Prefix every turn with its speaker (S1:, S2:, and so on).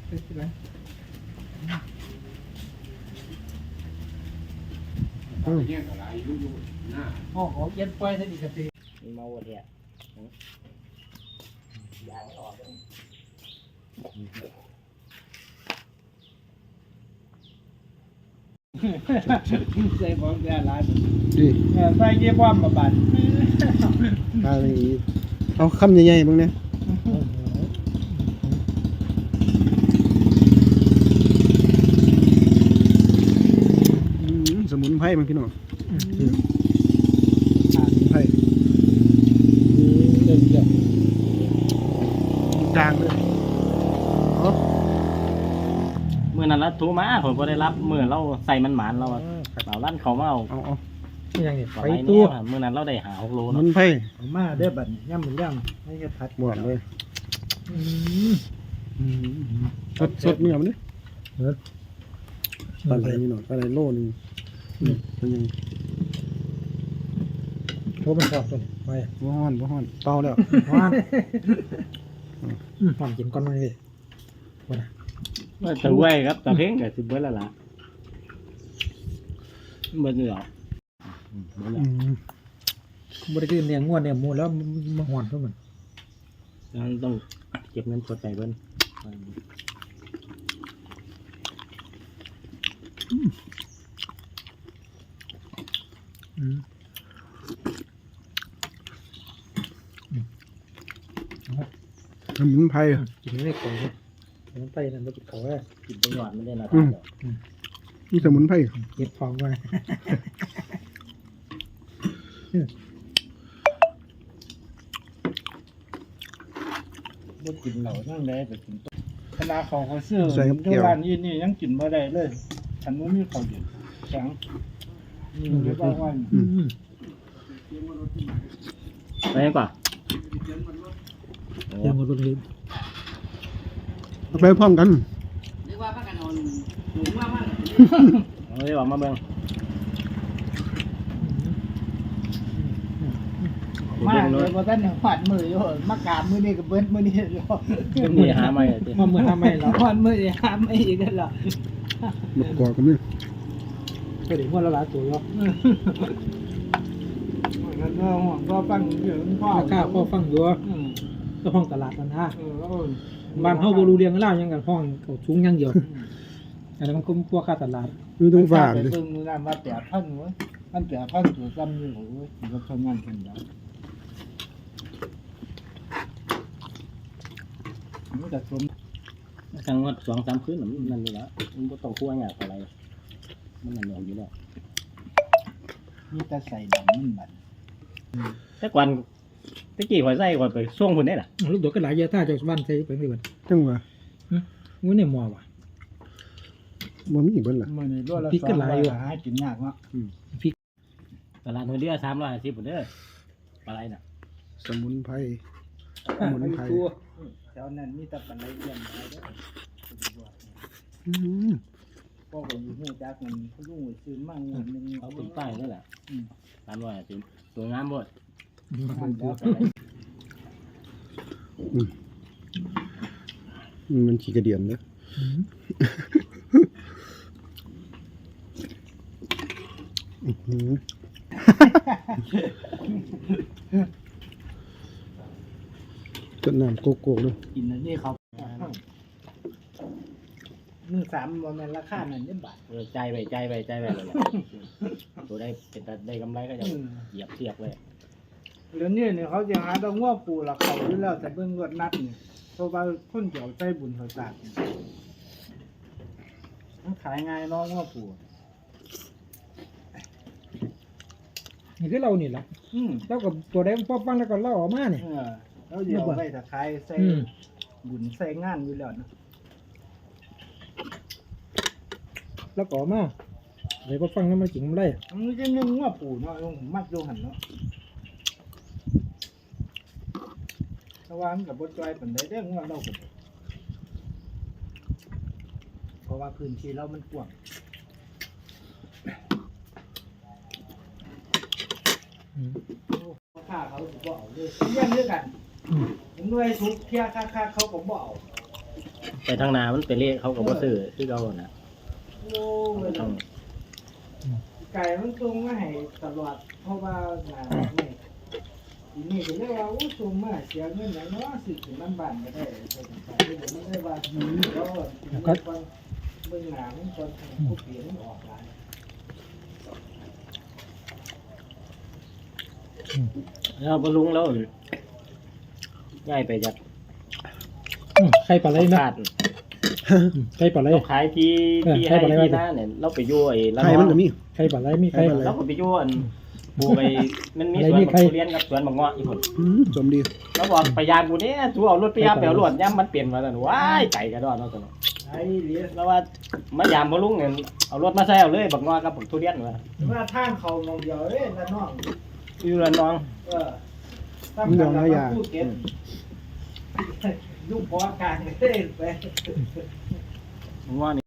S1: อ๋อเย็นไปท่านอีกที
S2: เมาเนี่ยยางออก
S1: ใส่ของแก่ร้าน
S3: ดิ
S1: ใส่เยี่ยมมาบัน
S3: อะไรเอาคำใหญ่ๆบ้างเนี่ยสมุนไพรมันพี่น้องสมุนไพรจางเลย
S2: เมื่อนั้นละทูมาผมก็ได้รับเมื่อเราใส่มันหมานเราเราลั่นเขามาเอา
S1: อย่างนี้
S2: ไปตัวเมื่อนั้นเราได้หา6 โล
S3: มันไผ่
S1: มาได้บัดย่ำหรือย่ำให้กระทัด
S3: บวชเลยสดเนื้อมันดิปลาไหลนี่หน่อยปลาไหลโลนึงเป็นยัง
S1: โทรมันชอบตัวไป
S3: บ่ฮ้อนเป่าแล้ว
S1: ฮ้อนหอมกินก้อนมันเลย
S2: ตะเว้ยครับตะเพ่งกับสิบเบิร์ดละล่ะเบิร์ดเหนือบ
S1: ริการเนี่ยงวดเนี่ยมูแล้วมาหอนเท่ามัน
S2: ต้องเก็บเงินสดไปเบิ้ล
S3: สมุนไพร
S1: กินไม่ของเลยสมุนไพรนั่นไม่กินเขาแค่
S2: กินไปหยอดไม่ได้นะ
S3: นี่สมุนไพร
S1: เก็บฟองไว้บ่กินเหล่านั่งได้แต่กินขนาดของเขาซื้อที่ร้านนี้นี่ยังกินไม่ได้เลยฉันว่ามีเขาอยู่แข็งเดี๋ยวบอกว่า
S2: ไปยังก่อน
S1: เดี๋ยวมาดูดิ
S3: ไปพร้อมกัน
S2: เรียกว่าพักกันนอนหนุ่มมากเรียกว่ามาเบิ่ง
S1: มาเลยว่าท่านหอดมืออยู่มากราบมือนี่กับเบิ้ลมือนี่อยู่
S2: มือหาไม่
S1: มามือหาไม่แล้วหอดมือหาไม่อีกแล้ว
S3: มากอกกันนี่
S1: ก็ถึงว่าละลายตัวแล้วก็ฟังเยอะพ่อข้าวพ่อฟังเยอะก็ห้องตลาดมันฮะบ้านเฮาบ่รู้เรื่องเล่ายังกันห้องเขาชุ้งยังเดียวอันนั้นมันก็พวกค่าตลาด
S3: คือต้องฝาก
S1: เลยซึ่งนั่นมา8,000เว้ยมัน8,000ตัวซ้ำอยู่โอ้ยก็ทำงานกันแล้วมันจะสม
S2: ครั้งว่า2-3 คืนนั่นนี่ละมันบ่ต้องคั่วหยังอะไรมันนั่นอยู่แล้ว
S1: มีแต่ใส่ดำมันบัด
S2: แต่ก่อนตะกี้ข่อยใส่ก่อนไปส่งพุ่นได้ล่ะ
S1: ลูกดอกก็หลายเยอะถ้าจากบ้านใส่ไปนี่บัด
S3: จังว่า
S1: มื้อนี่หม้อว่ะ
S3: บ่มีเบิ่นล่ะ
S1: มื้อนี้รสละ2หลายอยู่หากินยากเนาะ
S2: พริกตลาดหัวเรือ350พุ่นเด้อปลาไหลน่ะ
S3: สมุนไพร
S1: แถวนั้นมีแต่ปลาไหลเลี้ยงหลายเด้อพ่อก็อยู่ฮู้จักมันเขาลุงซื้อมาเงินนึง
S2: เอาขึ้นป้ายนั่นแหละ350สวยงามหมด
S3: มันขี้กระเดียนเด้อจนน้ำโกโก้เลย
S1: กินอันนี้ครับ1.3บ่แม่นราคานั้นได้บาท
S2: ใจไปเลยตัวได้กำไรก็จะเหยียบเทียบเลย
S1: เดี๋ยวนี้เนี่ยเขาจะหาดอกงัวปูละเขาอยู่แล้วแต่เบิ่งรถนัดนี่เพราะว่าคนเกี่ยวใจบุญเขาตากมันขายง่ายน้องงัวปูนี่คือเรานี่แหละแล้วกับตัวได้พอฟังแล้วก็เล่าออกมาเนี่ยแล้วเดี๋ยวไปตะไคร้ใส่บุญใส่งานอยู่แล้วนะแล้วก็มาเลยพอฟังแล้วมันจริงมันได้มันจะนึ่งงัวปูเนาะมัดโยหันเนาะระวังกับบนจอยเป็นได้เรื่องว่าเราเพราะว่าพื้นที่เรามันกว้างค่าเขาบ่เอาเลยเยี่ยมด้วยกันผมด้วยทุกเที่ยค่าเขาผมบ่เอา
S2: ไปทางนามันไปเละเขาก็บ่ซื้อคือเก่าน่ะ
S1: โอ้ย
S2: ต้อง
S1: ไก่มันส่งมาให้ตลอดเพราะว่าหนานี่ทีนี้ก็เลยว่าโอ้ส่งมาเสียเงินอย่างน้อยสิถึงมันบ้านก็ได้แต่ไม่ได้ว่าแล้วก็เบิ่งหนามันคนผู้เปลี่ยนออกหลาย
S2: แล้วบ่ลุงแล้วย้ายไปจาก
S4: ใครปลาไหลนะ
S2: คาด
S4: ใครปลาไหล
S2: เราขายที่
S4: ใคร
S2: ให้
S4: บอกอะไร
S2: ที่
S4: วะ
S2: หน้าเนี่ยเราไปอยู่ไอ้ละ
S3: ไข่มันก็มี
S4: ใครปลาไหลมีใคร
S2: เราก็ไปอยู่อันปลูกไอ้มันมี
S4: อะไร
S2: สวน
S4: มี
S2: บัก
S4: ใคร
S2: ทุเรียนกับสวนบักเงาะอีกคน
S3: สมดี
S2: เราบอกพยายามกูเนี่ยทูเอารถไปยามแปลวรถย่ำมันเปลี่ยนมาแล้วว้ายไก่กระดอนเนาะตัวเนาะ
S1: ไอ้เหลีย
S2: แล้วว่ามายามบ่ลุงเนี่ยเอารถมาใส่เอาเลยบักเงาะกับบักทุเรียนว่า
S1: ว่าทางเขามองเดียวเอ้ยละน้อง
S2: อยู่ละน้อง
S1: ตั้งแต่เราพูดเก็บลูกพอกลางเต้นไป
S2: บักเงาะนี่